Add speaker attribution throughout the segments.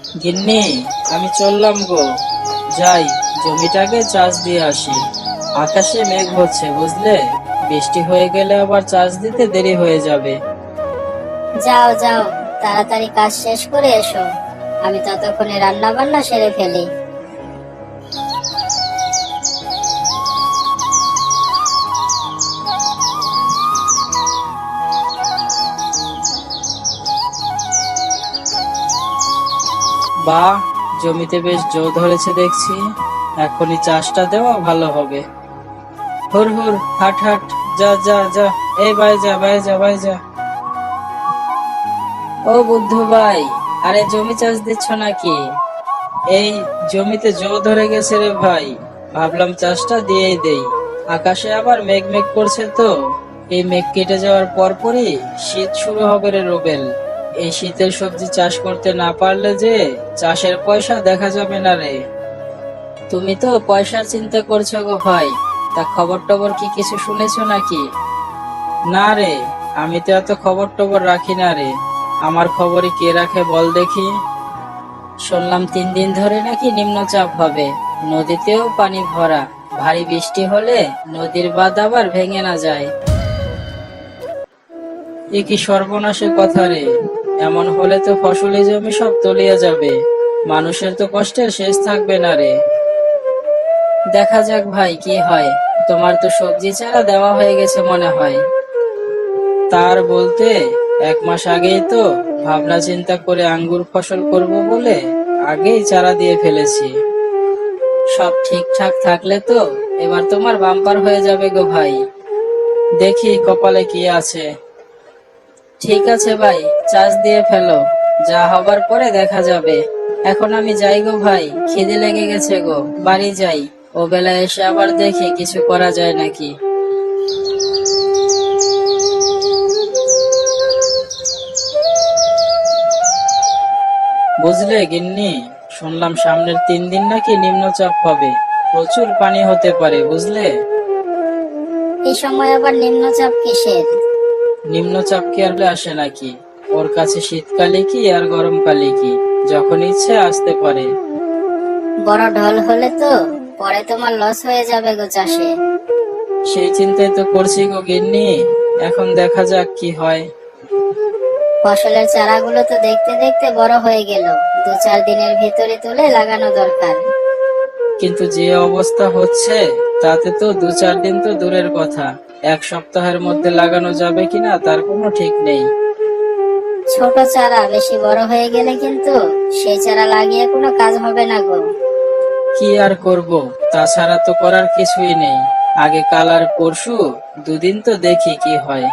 Speaker 1: গিন্নি, আমি চললাম গো। যাই, জমিটাকে চাষ দিয়ে আসি। আকাশে মেঘ হচ্ছে বুঝলে, বৃষ্টি হয়ে গেলে আবার চাষ দিতে দেরি হয়ে যাবে।
Speaker 2: যাও যাও, তাড়াতাড়ি কাজ শেষ করে এসো। আমি ততক্ষণে রান্না বান্না সেরে ফেলি।
Speaker 1: বাহ, জমিতে বেশ জো ধরেছে দেখছি। এখনই চাষটা দেওয়া ভালো হবে। হুর হুর, হাট হাট, যা যা যা। এই ভাই যা, ভাই যা, ভাই যা। ও বুদ্ধু ভাই, আরে জমি চাষ দিচ্ছ নাকি? এই জমিতে জো ধরে গেছে রে ভাই, ভাবলাম চাষটা দিয়েই দেই। আকাশে আবার মেঘ মেঘ করছে তো, এই মেঘ কেটে যাওয়ার পরপরই শীত শুরু হবে রে রোবেল। এই শীতের সবজি চাষ করতে না পারলে যে চাষের পয়সা দেখা যাবে না রে। তুমি তো পয়সার চিন্তা করছো গো ভাই, তা খবর টবর কি কিছু শুনেছো নাকি? না রে, আমি তো এত খবর টবর রাখি না রে। আমার খবরই কে রাখে বল দেখি। শুনলাম 3 দিন ধরে নাকি নিম্নচাপ হবে, নদীতেও পানি ভরা। ভারী বৃষ্টি হলে নদীর বাঁধ আবার ভেঙে না যায়। এ কি সর্বনাশের কথা রে! এমন হলে তো ফসলি জমি সব তলিয়ে যাবে, মানুষের তো কষ্টের শেষ থাকবে না রে। দেখা যাক ভাই কি হয়। তোমার তো সবজি চারা দেওয়া হয়ে গেছে মনে হয়। তার বলতে 1 মাস আগেই তো ভাবনা চিন্তা করে আঙ্গুর ফসল করব বলে আগেই চারা দিয়ে ফেলেছি। সব ঠিকঠাক থাকলে তো এবার তোমার বাম্পার হয়ে যাবে গো ভাই। দেখি কপালে কি আছে। ঠিক আছে ভাই, চাষ দিয়ে ফেলো, যা হবার পরে দেখা যাবে। এখন আমি যাই গো ভাই, খিদে লেগে গেছে গো, বাড়ি যাই। ও বেলায় এসে আবার দেখি কিছু করা যায় নাকি। বুঝলে গিন্নি, শুনলাম সামনের 3 দিন নাকি নিম্নচাপ হবে, প্রচুর পানি হতে পারে বুঝলে।
Speaker 2: এই সময় আবার নিম্নচাপ কিসের?
Speaker 1: নিম্নচাপ কি আর আসে নাকি? ওর কাছে শীতকালে কি আর গরমকালে কি, যখন ইচ্ছে আসতে পারে।
Speaker 2: বড় ঢল হলে তো পরে তোমার লস হয়ে যাবে গো চাষে।
Speaker 1: সেই চিন্তাই তো করছি গো গিন্নি, এখন দেখা যাক কি হয়।
Speaker 2: ফসলের চারাগুলো তো দেখতে দেখতে বড় হয়ে গেল, 2-4 দিনের ভিতরে তুলে লাগানো দরকার।
Speaker 1: কিন্তু যে অবস্থা হচ্ছে, তাতে তো 2-4 দিন তো দূরের কথা, 1 সপ্তাহের মধ্যে লাগানো যাবে কিনা তার কোনো ঠিক নেই।
Speaker 2: ছোট চারা বেশি বড় হয়ে গেলে কিন্তু সেই চারা লাগিয়ে কোনো কাজ হবে না গো।
Speaker 1: কি আর করব, তাছাড়া তো করার কিছুই নেই। আগে কাল আর পরশু 2 দিন তো দেখি কি হয়।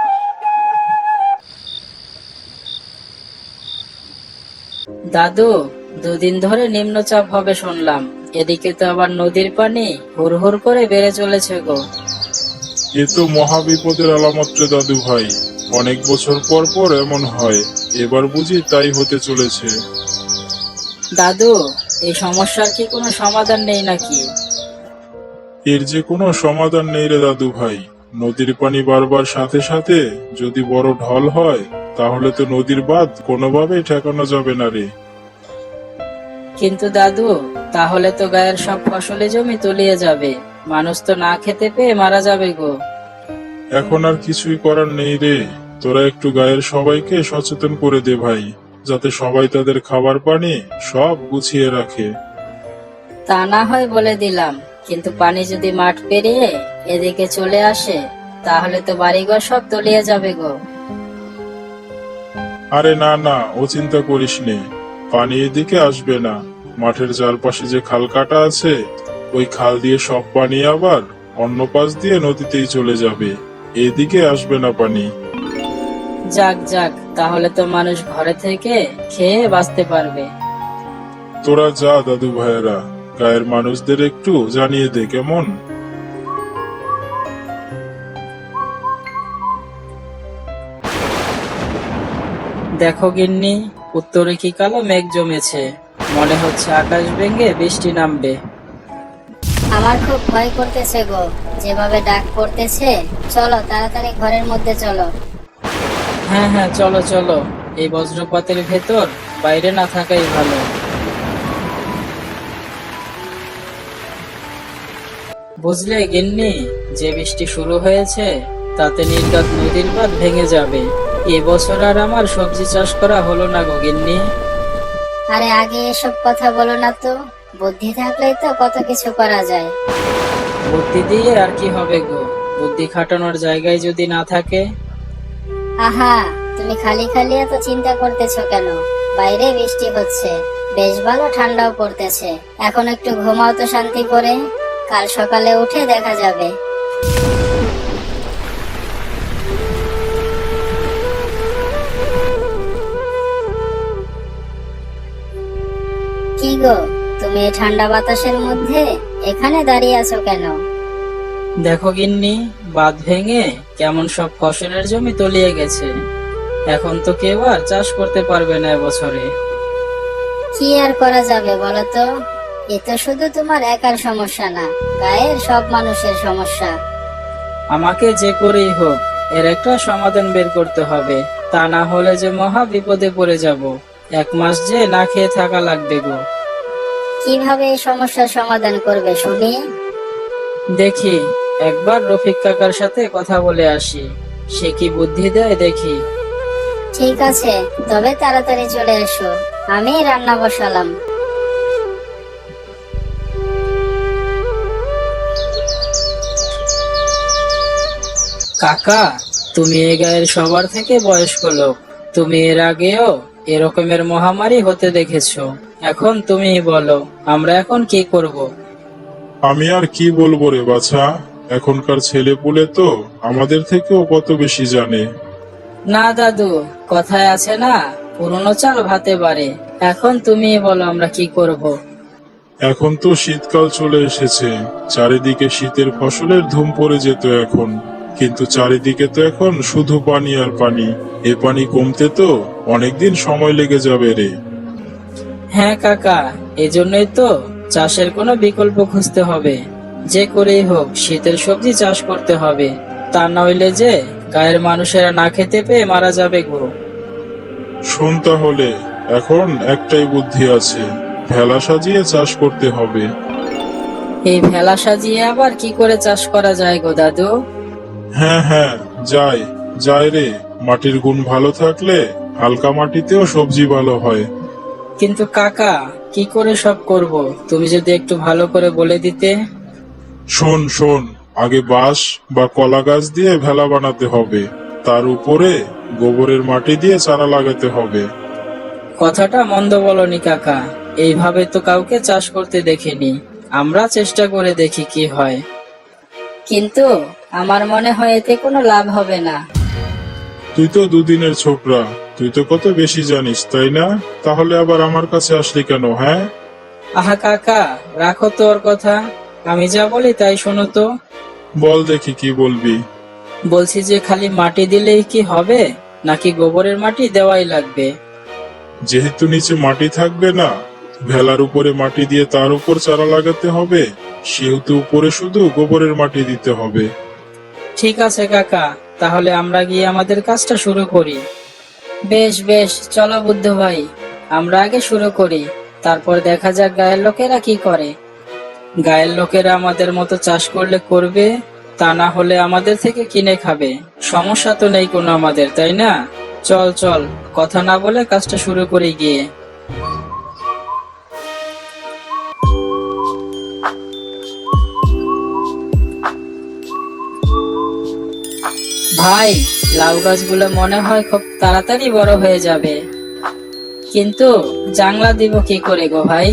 Speaker 1: দাদু, 2 দিন ধরে নিম্নচাপ হবে শুনলাম। এদিকে তো আবার নদীর পানি হুর হুর করে বেড়ে চলেছে গো।
Speaker 3: এ তো মহা বিপদের আলামত রে দাদু ভাই। অনেক বছর পর পর এমন হয়, এবার বুঝি তাই হতে চলেছে।
Speaker 1: দাদু, এই সমস্যার কি কোনো সমাধান নেই নাকি?
Speaker 3: এর যে কোনো সমাধান নেই রে দাদু ভাই। নদীর পানি বাড়বার সাথে সাথে যদি বড় ঢল হয়, তাহলে তো নদীর বাঁধ কোনোভাবেই ঠেকানো যাবে না রে।
Speaker 1: কিন্তু দাদু, তাহলে তো গায়ের সব ফসলি জমি তলিয়ে যাবে, মানুষ তো না খেতে পেয়ে মারা যাবে গো।
Speaker 3: এখন আর কিছুই করার নেই রে। তোরা একটু গায়ের সবাইকে সচেতন করে দে ভাই, যাতে সবাই তাদের খাবার পানি সব গুছিয়ে রাখে।
Speaker 1: তা না হয় বলে দিলাম, কিন্তু পানি যদি মাঠ পেরিয়ে এদিকে চলে আসে, তাহলে তো বাড়িঘর সব তলিয়ে যাবে গো।
Speaker 3: আরে না না, ও চিন্তা করিস নে। পানি এদিকে আসবে না। মাঠের চারপাশে যে খাল কাটা আছে, ওই খাল দিয়ে সব পানি আবার অন্য পাশ দিয়ে নদীতেই চলে যাবে। এদিকে আসবে না পানি।
Speaker 1: যাক যাক, তাহলে তো মানুষ ঘরে থেকে খেয়ে বাঁচতে পারবে।
Speaker 3: তোরা যা দাদু ভাইয়েরা, গায়ের মানুষদের একটু জানিয়ে দে কেমন।
Speaker 1: দেখো গিন্নি, উত্তরে কি কালো মেঘ জমেছে, মনে হচ্ছে আকাশ ভেঙে বৃষ্টি নামবে।
Speaker 2: আমার খুব ভয় করতেছে গো, যেভাবে ডাক পড়তেছে। চলো তাড়াতাড়ি ঘরের মধ্যে চলো।
Speaker 1: হ্যাঁ হ্যাঁ, চলো চলো। এই বজ্রপাতের ভেতর বাইরে না থাকাই ভালো। বুঝলে গিন্নি, যে বৃষ্টি শুরু হয়েছে তাতে নির্ঘাত নদীর বাঁধ ভেঙে যাবে। এবছর আর আমার সবজি চাষ করা হলো না গো গিন্নি।
Speaker 2: আরে আগে এসব কথা বলো না তো, বুদ্ধি থাকলেই তো কত কিছু করা যায়।
Speaker 1: বুদ্ধি দিয়ে আর কি হবে গো, বুদ্ধি খাটানোর জায়গায় যদি না থাকে।
Speaker 2: আহা, তুমি খালি খালি এত চিন্তা করতেছো কেন? বাইরে বৃষ্টি হচ্ছে, বেশ ভালো ঠান্ডাও পড়তেছে। এখন একটু ঘুমাও তো শান্তি করে, কাল সকালে উঠে দেখা যাবে। কি গো, তুমি এই ঠান্ডা বাতাসের মধ্যে এখানে দাঁড়িয়ে আছো কেন?
Speaker 1: দেখো গিন্নি, বাঁধ ভেঙে কেমন সব ফসলের জমি তলিয়ে গেছে। এখন তো কেউ আর চাষ করতে পারবে না এবছরে।
Speaker 2: কি আর করা যাবে বলো তো? এ তো শুধু তোমার একার সমস্যা না, গায়ের সব মানুষের সমস্যা।
Speaker 1: আমাকে যে করেই হোক এর একটা সমাধান বের করতে হবে, তা না হলে যে মহা বিপদে পড়ে যাব। 1 মাস যে না খেয়ে থাকা লাগবে গো।
Speaker 2: কিভাবে এই সমস্যার সমাধান করবে শুনি?
Speaker 1: দেখি, একবার রফিক কাকার সাথে কথা বলে আসি, সে কি বুদ্ধি দেয় দেখি।
Speaker 2: ঠিক আছে, তবে তাড়াতাড়ি চলে এসো, আমি রান্না বসালাম।
Speaker 1: কাকা, তুমি এই গায়ের সবার থেকে বয়স্ক লোক, তুমি এর আগেও এরকমের মহামারী হতে দেখেছো। এখন তুমি বলো, আমরা এখন কি করব?
Speaker 3: আমি আর কি বলবো রে বাছা, এখনকার ছেলে পুলে তো আমাদের থেকেও কত বেশি জানে।
Speaker 1: না দাদু, কথায় আছে না, পুরনো চাল ভাতে পারে। এখন তুমি বলো আমরা কি করব?
Speaker 3: এখন তো শীতকাল চলে এসেছে, চারিদিকে শীতের ফসলের ধুম পড়ে যেত এখন। কিন্তু চারিদিকে তো এখন শুধু পানি আর পানি। এ পানি কমতে তো অনেকদিন সময় লেগে যাবে রে।
Speaker 1: হ্যাঁ কাকা, এজন্যই তো চাষের কোনো বিকল্প খুঁজতে হবে। যে করেই হোক শীতের সবজি চাষ করতে হবে, তা নইলে যে গায়ের মানুষেরা না খেতে পেয়ে মারা যাবে গো।
Speaker 3: শোন তাহলে, এখন একটাই বুদ্ধি আছে, ভেলা সাজিয়ে চাষ করতে হবে।
Speaker 1: এই ভেলা সাজিয়ে আবার কি করে চাষ করা যায় গো দাদু?
Speaker 3: হ্যাঁ হ্যাঁ, যাই যাই রে, মাটির গুণ ভালো থাকলে হালকা মাটিতেও সবজি ভালো হয়।
Speaker 1: কিন্তু কাকা, কি করে সব করব, তুমি যদি একটু ভালো করে বলে দিতে।
Speaker 3: শোন শোন, আগে বাঁশ বা কলা গাছ দিয়ে ভেলা বানাতে হবে, তার উপরে গোবরের মাটি দিয়ে চারা লাগাতে হবে।
Speaker 1: কথাটা মন্দ বলনি কাকা, এইভাবে তো কাউকে চাষ করতে দেখিনি। আমরা চেষ্টা করে দেখি কি হয়।
Speaker 2: কিন্তু আমার মনে হয় এতে কোনো লাভ হবে না।
Speaker 3: তুই তো দুদিনের ছোকরা, তুই তো কত বেশি জানিস তাই না? তাহলে আবার আমার কাছে আসলি কেন? হ্যাঁ,
Speaker 1: আহা কাকা, রাখো তো ওর কথা, আমি যা বলি তাই শোনো তো।
Speaker 3: বল দেখি কি বলবি।
Speaker 1: বলছি যে খালি মাটি দিলেই কি হবে, নাকি গোবরের মাটি দেওয়াই লাগবে?
Speaker 3: যেহেতু নিচে মাটি থাকবে না, ভেলার উপরে মাটি দিয়ে তার উপর চারা লাগাতে হবে, সেহেতু উপরে শুধু গোবরের মাটি দিতে হবে।
Speaker 1: ঠিক আছে কাকা, তাহলে আমরা গিয়ে আমাদের কাজটা শুরু করি। বেশ বেশ, চলো বুদ্ধ ভাই, আমরা আগে শুরু করি, তারপর দেখা যাক গায়ের লোকেরা কি করে। গায়ের লোকেরা আমাদের মতো চাষ করলে করবে, তা না হলে আমাদের থেকে কিনে খাবে। সমস্যা তো নেই কোনো আমাদের, তাই না? চল চল, কথা না বলে কাজটা শুরু করি গিয়ে। ভাই, লাউ গাছগুলো মনে হয় খুব তাড়াতাড়ি বড় হয়ে যাবে, কিন্তু জাংলা দিব কি করে গো ভাই?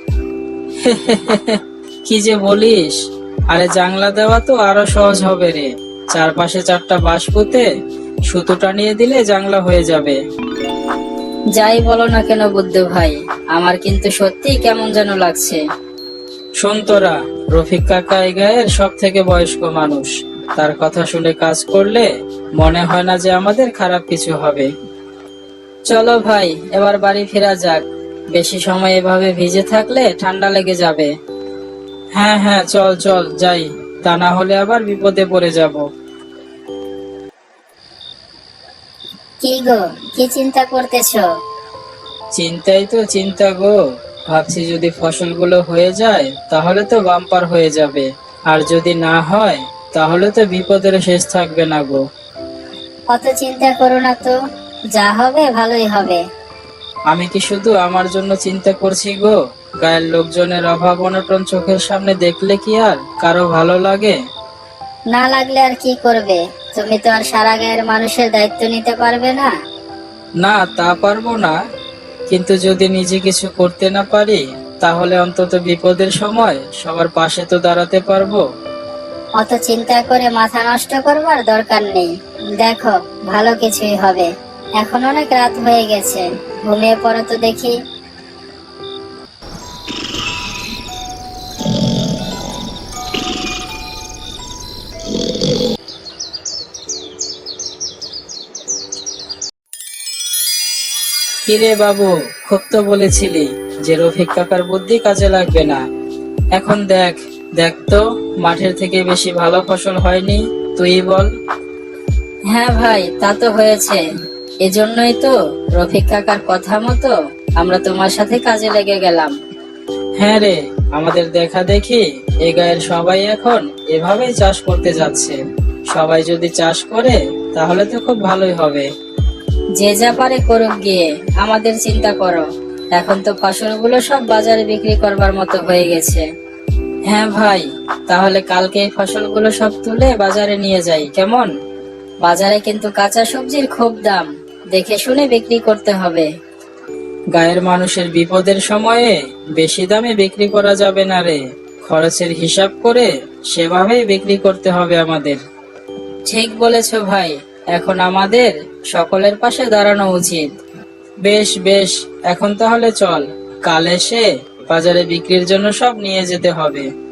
Speaker 1: কি যে বলিস, আরে জাংলা দেওয়া তো আরো সহজ হবে রে। চারপাশে 4টা বাঁশ পুঁতে সুতো টানিয়ে দিলে জাংলা হয়ে যাবে।
Speaker 2: যাই বলো না কেন বুদ্ধ ভাই, আমার কিন্তু সত্যি কেমন যেন লাগছে।
Speaker 1: শোন তোরা, রফিক কাকা এই গায়ের সব থেকে বয়স্ক মানুষ, তার কথা শুনে কাজ করলে মনে হয় না যে আমাদের খারাপ কিছু হবে। চলো ভাই, এবার বাড়ি ফেরা যাক, বেশি সময় এভাবে ভিজে থাকলে ঠান্ডা লেগে যাবে। হ্যাঁ হ্যাঁ, চল চল যাই, তা না হলে আবার বিপদে পড়ে যাব।
Speaker 2: কি গো, কি চিন্তা করতেছো?
Speaker 1: চিন্তাই তো চিন্তা গো। ভাবছি যদি ফসলগুলো হয়ে যায় তাহলে তো বাম্পার হয়ে যাবে, আর যদি না হয় তাহলে তো বিপদের শেষ থাকবে না গো।
Speaker 2: অত চিন্তা করো না তো, যা হবে ভালোই হবে।
Speaker 1: আমি কি শুধু আমার জন্য চিন্তা করছি গো? গায়ের লোকজনের অভাব অনটন চোখের সামনে দেখলে কি আর কারো ভালো লাগে?
Speaker 2: না লাগলে আর কি করবে? তুমি তো আর সারা গায়ের মানুষের দায়িত্ব নিতে পারবে না।
Speaker 1: না, তা পারবো না, কিন্তু যদি নিজে কিছু করতে না পারি তাহলে অন্তত বিপদের সময় সবার পাশে তো দাঁড়াতে পারবো।
Speaker 2: অত চিন্তা করে মাথা নষ্ট করবার দরকার নেই। দেখো, ভালো কিছুই হবে। এখন অনেক রাত হয়ে গেছে, ঘুমিয়ে পড়ো তো দেখি।
Speaker 1: কিরে বাবু, খুব তো বলেছিলি যে রফিক কাকার বুদ্ধি কাজে লাগবে না। এখন দেখ দেখ তো, মাঠের থেকে বেশি ভালো ফসল হয়নি, তুই বল। হ্যাঁ ভাই, তা তো হয়েছে। এজন্যই তো রফিক কাকার কথা মতো আমরা তোমার সাথে কাজে লেগে গেলাম। হ্যাঁ রে, আমাদের দেখা দেখি এ গায়ের সবাই এখন এভাবেই চাষ করতে যাচ্ছে। সবাই যদি চাষ করে তাহলে তো খুব ভালোই হবে। যে যা পারে করুক গিয়ে, আমাদের চিন্তা করো। এখন তো ফসলগুলো সব বাজারে বিক্রি করবার মতো হয়ে গেছে। হ্যাঁ ভাই, তাহলে কালকে এই ফসলগুলো সব তুলে বাজারে নিয়ে যাই, কেমন? বাজারে কিন্তু কাঁচা সবজির খুব দাম, দেখে শুনে বিক্রি করতে হবে। গায়ের মানুষের বিপদের সময়ে বেশি দামে বিক্রি করা যাবে না রে। খরচের হিসাব করে সেভাবেই বিক্রি করতে হবে আমাদের। ঠিক বলেছো ভাই, এখন আমাদের সকলের পাশে দাঁড়ানো উচিত। বেশ বেশ, এখন তাহলে চল, কাল এসে বাজারে বিক্রির জন্য সব নিয়ে যেতে হবে।